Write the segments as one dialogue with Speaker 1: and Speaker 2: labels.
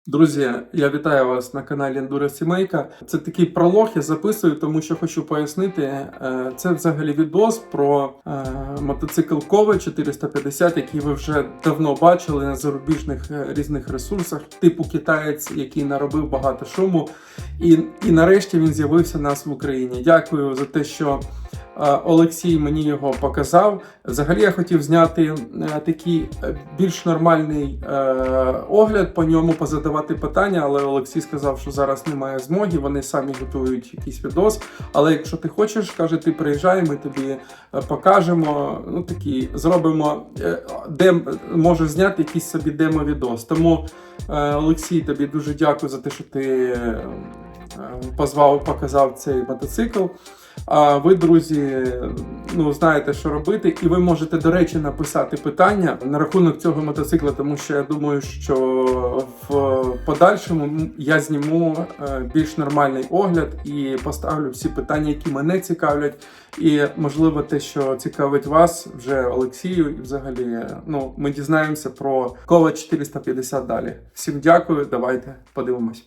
Speaker 1: Друзі, я вітаю вас на каналі Enduro Сімейка. Це такий пролог я записую, тому що хочу пояснити. Це взагалі відос про мотоцикл Коваль 450, який ви вже давно бачили на зарубіжних різних ресурсах, типу китаєць, який наробив багато шуму. І нарешті він з'явився у нас в Україні. Дякую за те, що Олексій мені його показав. Взагалі я хотів зняти такий більш нормальний огляд по ньому, позадавати питання, але Олексій сказав, що зараз немає змоги, вони самі готують якийсь відос. Але якщо ти хочеш, каже, ти приїжджай, ми тобі покажемо, зробимо, де можеш зняти якийсь собі демо-відос. Тому, Олексій, тобі дуже дякую за те, що ти показав цей мотоцикл. А ви, друзі, знаєте, що робити, і ви можете, до речі, написати питання на рахунок цього мотоцикла, тому що я думаю, що в подальшому я зніму більш нормальний огляд і поставлю всі питання, які мене цікавлять, і, можливо, те, що цікавить вас, вже Олексію, і взагалі, ми дізнаємося про Коваль 450 далі. Всім дякую, давайте подивимось.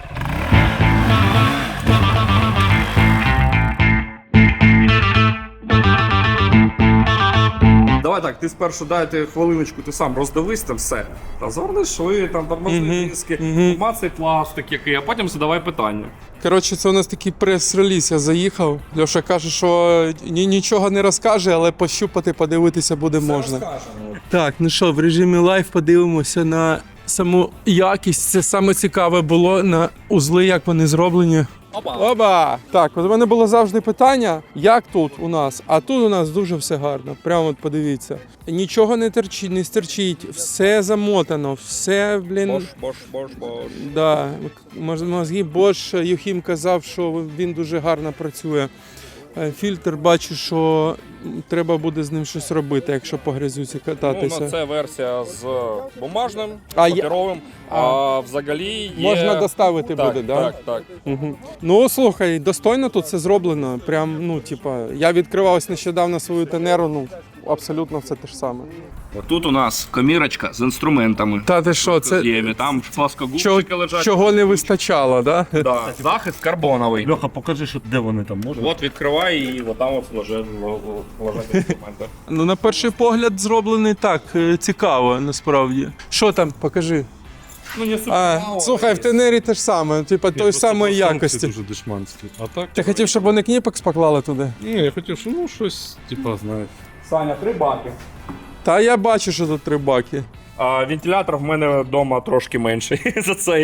Speaker 2: Давай так, ти спершу дайте хвилиночку, ти сам роздивись там все. Розгорни шви, там тормозні диски, мацай пластик який, а потім задавай питання.
Speaker 1: Коротше, це у нас такий прес-реліз, я заїхав. Льоша каже, що нічого не розкаже, але пощупати, подивитися буде можна. Так, в режимі лайв подивимося на саму якість. Це саме цікаве було на узли, як вони зроблені. Опа! Так, от у мене було завжди питання, як тут у нас, а тут у нас дуже все гарно. Прямо от подивіться. Нічого не стерчить, все замотано, все,
Speaker 2: Бош.
Speaker 1: Да, мозги Bosch, Юхім казав, що він дуже гарно працює. Фільтр, бачу, що треба буде з ним щось робити, якщо по грязюці кататися.
Speaker 2: Це версія з бумажним, паперовим, а взагалі є...
Speaker 1: Можна доставити буде, да?
Speaker 2: Так.
Speaker 1: Угу. Слухай, достойно тут все зроблено. Прям, я відкривав нещодавно свою Тенеру, абсолютно все те ж саме.
Speaker 2: Тут у нас комірочка з інструментами.
Speaker 1: Та ти що, це...
Speaker 2: Там плоскогубчики лежать.
Speaker 1: Чого не вистачало, да?
Speaker 2: Да. Захист карбоновий.
Speaker 3: Льоха, покажи, де вони там можуть.
Speaker 2: От відкривай і там лежать інструменти.
Speaker 1: На перший погляд зроблений так, цікаво, насправді. Що там, покажи. Слухай, в Тенері те ж саме, той самої якості.
Speaker 3: Дуже дешманські. А так?
Speaker 1: Ти хотів, щоб вони кніпекс поклали туди?
Speaker 3: Ні, я хотів, що щось, знаєш.
Speaker 2: Саня, 3 баки.
Speaker 1: Та я бачу, що тут 3 баки.
Speaker 2: Вентилятор в мене вдома трошки менший за цей.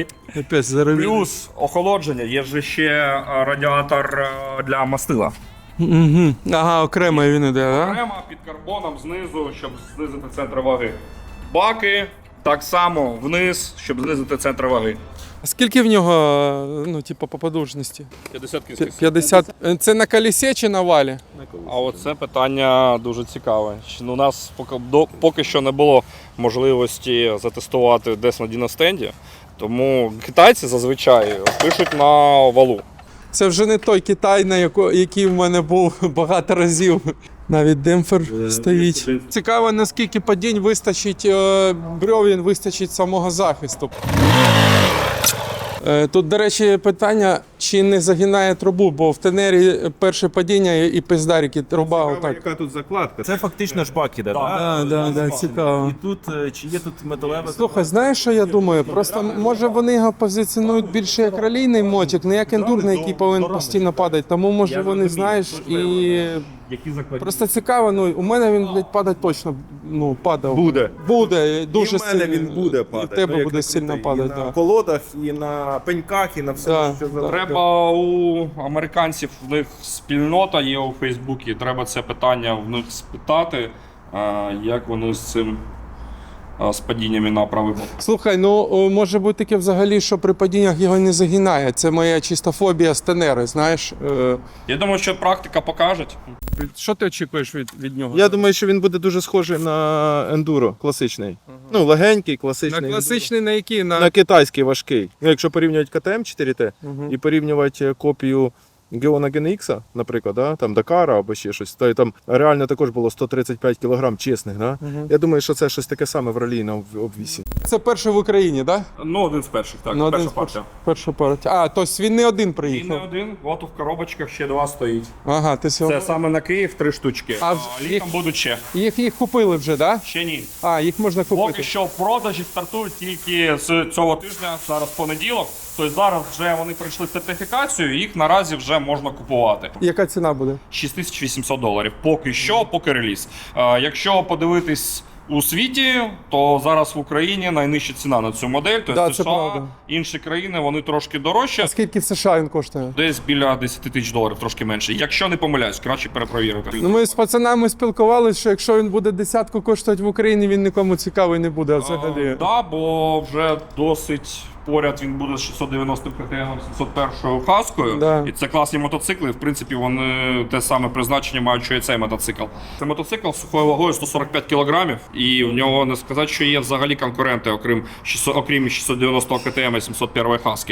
Speaker 2: Плюс охолодження, є ж ще радіатор для мастила.
Speaker 1: Угу. Ага, окремо він іде, так?
Speaker 2: Окремо під карбоном знизу, щоб знизити центр ваги. Баки так само вниз, щоб знизити центр ваги.
Speaker 1: А скільки в нього, по подовжності?
Speaker 2: 50 кінських сил.
Speaker 1: 50. Це на колесі чи на валі?
Speaker 2: А оце питання дуже цікаве. У нас поки що не було можливості затестувати десь на діностенді, тому китайці зазвичай пишуть на валу.
Speaker 1: Це вже не той Китай, який в мене був багато разів. Навіть демпфер стоїть. Цікаво, наскільки падінь вистачить, брьовін вистачить самого захисту. Тут, до речі, питання, чи не загинає трубу, бо в Тенері перше падіння і пиздарики, труба отак.
Speaker 4: Яка тут закладка?
Speaker 3: Це фактично ж бак іде,
Speaker 1: Так, цікаво.
Speaker 3: І тут, чи є тут металева...
Speaker 1: Слухай, знаєш, що я думаю? Просто, може, вони його позиціонують більше як ралійний мотик, не як ендурний, який повинен постійно падати. Тому, може, вони, знаєш, і... Просто цікаво, у мене він, падати точно, падав. Буде, дуже
Speaker 4: І в мене
Speaker 1: сильно.
Speaker 4: він буде падати.
Speaker 1: І в тебе буде сильно падати,
Speaker 4: І на
Speaker 1: так.
Speaker 4: колодах, і на пеньках, і на все, що залежить.
Speaker 2: Треба у американців, в них спільнота є у Фейсбуці, треба це питання в них спитати, як вони з цим з падіннями на правий бок.
Speaker 1: Слухай, може бути таке взагалі, що при падіннях його не загинає. Це моя чиста фобія з Тенери, знаєш.
Speaker 2: Я думаю, що практика покаже.
Speaker 1: Що ти очікуєш від нього?
Speaker 4: Я думаю, що він буде дуже схожий на ендуро класичний. Легенький, класичний.
Speaker 1: На класичний на який?
Speaker 4: На китайський важкий. Якщо порівнювати КТМ 4Т і порівнювати копію Геона GNX, наприклад, да? Там Дакара або ще щось, то там реально також було 135 кг чесних. Да? Я думаю, що це щось таке саме в ралійному обвісі.
Speaker 1: Це перший в Україні, так?
Speaker 2: Ну, один з перших, так.
Speaker 1: Ну, один
Speaker 2: перша
Speaker 1: з
Speaker 2: партія.
Speaker 1: Перша партія. А, тобто він не один
Speaker 2: І
Speaker 1: приїхав.
Speaker 2: не один, от в коробочках ще 2 стоїть.
Speaker 1: Ага, ти сьогодні.
Speaker 2: Це саме на Київ 3 штучки.
Speaker 1: А
Speaker 2: Літом будуть ще.
Speaker 1: Їх купили вже, так?
Speaker 2: Ще ні.
Speaker 1: А, їх можна купити.
Speaker 2: Поки що продажі стартують тільки з цього тижня, зараз понеділок. Тобто зараз вже вони пройшли сертифікацію, їх наразі вже можна купувати.
Speaker 1: Яка ціна буде?
Speaker 2: $6800. Поки що, поки реліз. Якщо подивитись у світі, то зараз в Україні найнижча ціна на цю модель. Тобто
Speaker 1: Да, це
Speaker 2: США,
Speaker 1: правда.
Speaker 2: інші країни, вони трошки дорожчі.
Speaker 1: А скільки в США він коштує?
Speaker 2: Десь біля $10 000, трошки менше. Якщо не помиляюсь, краще перепровірити.
Speaker 1: Ну, ми з пацанами спілкувалися, що якщо він буде десятку коштувати в Україні, він нікому цікавий не буде взагалі.
Speaker 2: Да, бо вже досить поряд він буде з 690 КТМ 701 хаскою.
Speaker 1: Да.
Speaker 2: І це класні мотоцикли. В принципі, вони те саме призначення мають, що і цей мотоцикл. Це мотоцикл з сухою вагою 145 кг, і в нього не сказати, що є взагалі конкуренти, окрім 690 КТМ 701 хаски.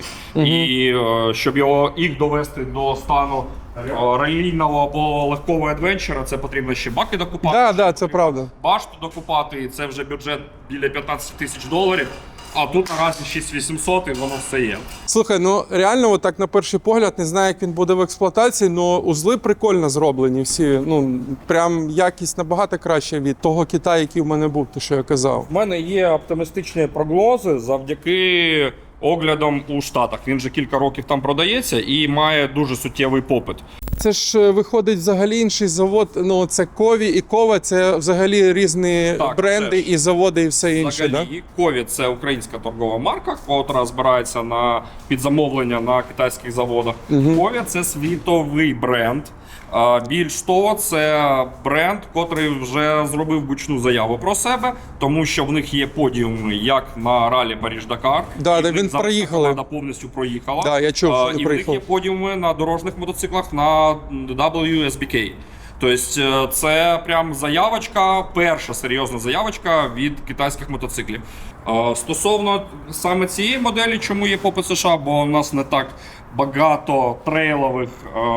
Speaker 2: І щоб їх довести до стану ралійного або легкого адвенчера, це потрібно ще баки докупати.
Speaker 1: Так, да, це правда.
Speaker 2: Башту докупати, і це вже бюджет біля $15 000. А тут наразі 6800 і воно все є.
Speaker 1: Слухай, ну реально, отак на перший погляд, не знаю, як він буде в експлуатації, але узли прикольно зроблені всі. Ну, прям якість набагато краще від того Китаю, який в мене був, те, що я казав.
Speaker 2: В мене є оптимістичні прогнози завдяки оглядам у Штатах. Він вже кілька років там продається і має дуже суттєвий попит.
Speaker 1: Це ж виходить взагалі інший завод. Ну, це Кові і Кова, це взагалі різні
Speaker 2: Так,
Speaker 1: бренди
Speaker 2: це ж.
Speaker 1: і заводи, і все інше. Да?
Speaker 2: Взагалі, Кові – це українська торгова марка, яка збирається на підзамовлення на китайських заводах. Кові – це світовий бренд. Більш того, це бренд, котрий вже зробив гучну заяву про себе, тому що в них є подіуми як на ралі Париж-Дакар.
Speaker 1: Да,
Speaker 2: і
Speaker 1: де
Speaker 2: в них
Speaker 1: він
Speaker 2: зараз
Speaker 1: проїхали.
Speaker 2: команда повністю проїхала.
Speaker 1: Да, я чув, що вони
Speaker 2: і в них
Speaker 1: проїхали.
Speaker 2: є подіуми на дорожніх мотоциклах на WSBK. Тобто це прям заявочка, перша серйозна заявочка від китайських мотоциклів. Стосовно саме цієї моделі, чому є попит США, бо у нас не так багато трейлових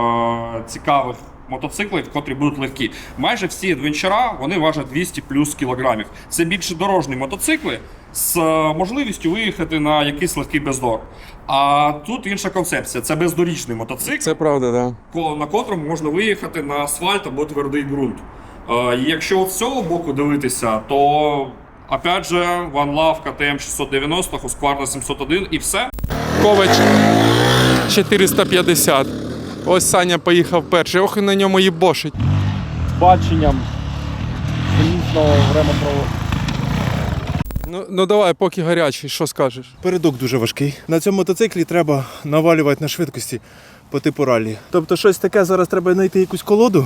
Speaker 2: цікавих мотоциклів, котрі будуть легкі. Майже всі адвенчера, вони важать 200 плюс кілограмів. Це більше дорожні мотоцикли з можливістю виїхати на якийсь легкий бездор. А тут інша концепція. Це бездоріжний мотоцикл,
Speaker 1: Це правда, так. Да.
Speaker 2: на котрому можна виїхати на асфальт або твердий ґрунт. І якщо з цього боку дивитися, то опять же One Love KTM 690, Husqvarna 701 і все.
Speaker 1: Ковач 450. Ось Саня поїхав перший. Ох, і на ньому їбошить.
Speaker 2: Баченням різного времяпроводу.
Speaker 1: Ну давай, поки гарячий, що скажеш?
Speaker 4: Передок дуже важкий. На цьому мотоциклі треба навалювати на швидкості по типу ралі. Тобто щось таке зараз треба знайти якусь колоду.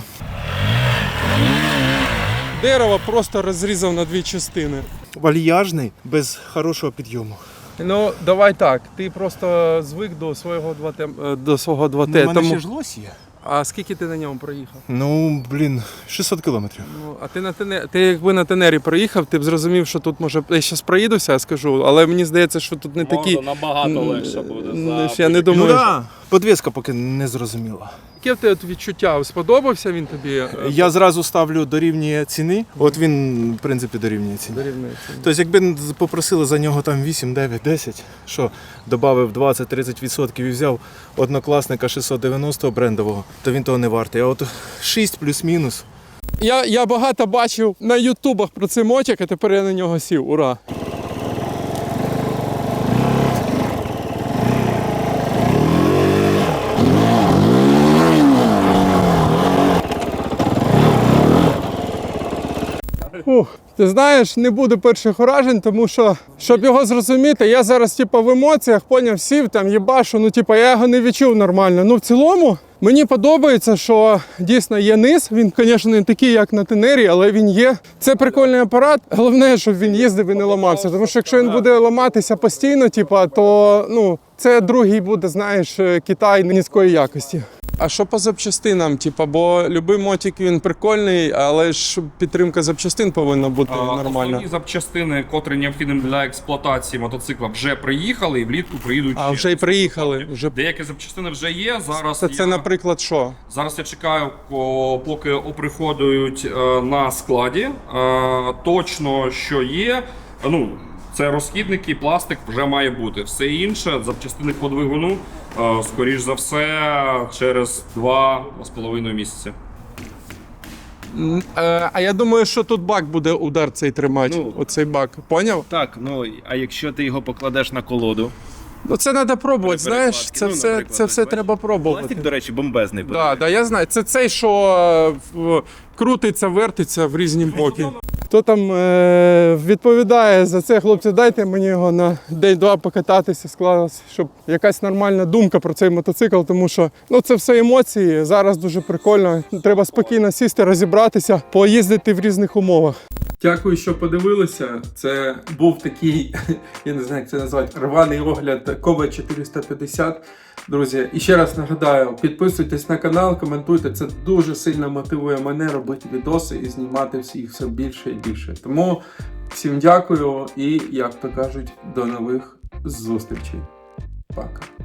Speaker 1: Дерево просто розрізав на дві частини.
Speaker 4: Вальяжний, без хорошого підйому.
Speaker 1: Ну, давай так. Ти просто звик до свого 2Т.
Speaker 4: У мене ще ж лось є.
Speaker 1: А скільки ти на ньому проїхав?
Speaker 4: Ну, 600 кілометрів.
Speaker 1: Ну, а ти якби на Тенері проїхав, ти б зрозумів, що тут може. Я зараз проїдуся, скажу, але мені здається, що тут не такі.
Speaker 2: Набагато легше буде.
Speaker 1: Я не думаю.
Speaker 4: Ну так, подвіска поки не зрозуміла.
Speaker 1: Яке в тебе відчуття? Сподобався він тобі?
Speaker 4: Я зразу ставлю дорівнює ціни. От він, в принципі, дорівнює ціни.
Speaker 1: Дорівнюється.
Speaker 4: Тобто, якби попросили за нього там 8, 9, 10, що додав 20-30% і взяв однокласника 690 брендового, то він того не вартий. А от 6 плюс-мінус.
Speaker 1: Я багато бачив на ютубах про цей мотик, а тепер я на нього сів. Ура! Ти знаєш, не буде перших уражень, тому що, щоб його зрозуміти, я зараз в емоціях поняв, сів там їбашу, я його не відчув нормально. Ну в цілому мені подобається, що дійсно є низ. Він, звісно, не такий, як на Тенері, але він є. Це прикольний апарат. Головне, щоб він їздив і не ламався. Тому що якщо він буде ламатися постійно, то це другий буде, знаєш, Китай низької якості. А що по запчастинам? Типа, бо любий мотик він прикольний, але ж підтримка запчастин повинна бути нормальна.
Speaker 2: Основні запчастини, котрі необхідні для експлуатації мотоцикла, вже приїхали і влітку приїдуть
Speaker 1: А
Speaker 2: ще.
Speaker 1: вже й приїхали. Вже...
Speaker 2: Деякі запчастини вже є. Зараз
Speaker 1: Це, наприклад, що?
Speaker 2: Зараз я чекаю, поки оприходують на складі. Точно, що є. Ну, це розхідники, пластик вже має бути. Все інше, запчастини по двигуну, скоріш за все, через 2-2,5 місяці.
Speaker 1: А я думаю, що тут бак буде удар цей тримати.
Speaker 3: Ну,
Speaker 1: оцей бак. Поняв?
Speaker 3: Так, ну а якщо ти його покладеш на колоду?
Speaker 1: Ну це треба пробувати, знаєш,
Speaker 3: перекладки.
Speaker 1: це
Speaker 3: Ну,
Speaker 1: все,
Speaker 3: наприклад,
Speaker 1: це все
Speaker 3: бачиш?
Speaker 1: треба пробувати.
Speaker 3: Пластик, до речі, бомбезний.
Speaker 1: Да, я знаю. Це цей, що крутиться, вертиться в різні боки. Хто там відповідає за це, хлопці, дайте мені його на день-два покататися, склалося, щоб якась нормальна думка про цей мотоцикл, тому що це все емоції, зараз дуже прикольно. Треба спокійно сісти, розібратися, поїздити в різних умовах. Дякую, що подивилися. Це був такий, я не знаю, як це назвати, рваний огляд Кове 450. Друзі, і ще раз нагадаю, підписуйтесь на канал, коментуйте. Це дуже сильно мотивує мене робити відоси і знімати всіх все більше і більше. Тому всім дякую і, як то кажуть, до нових зустрічей. Пока.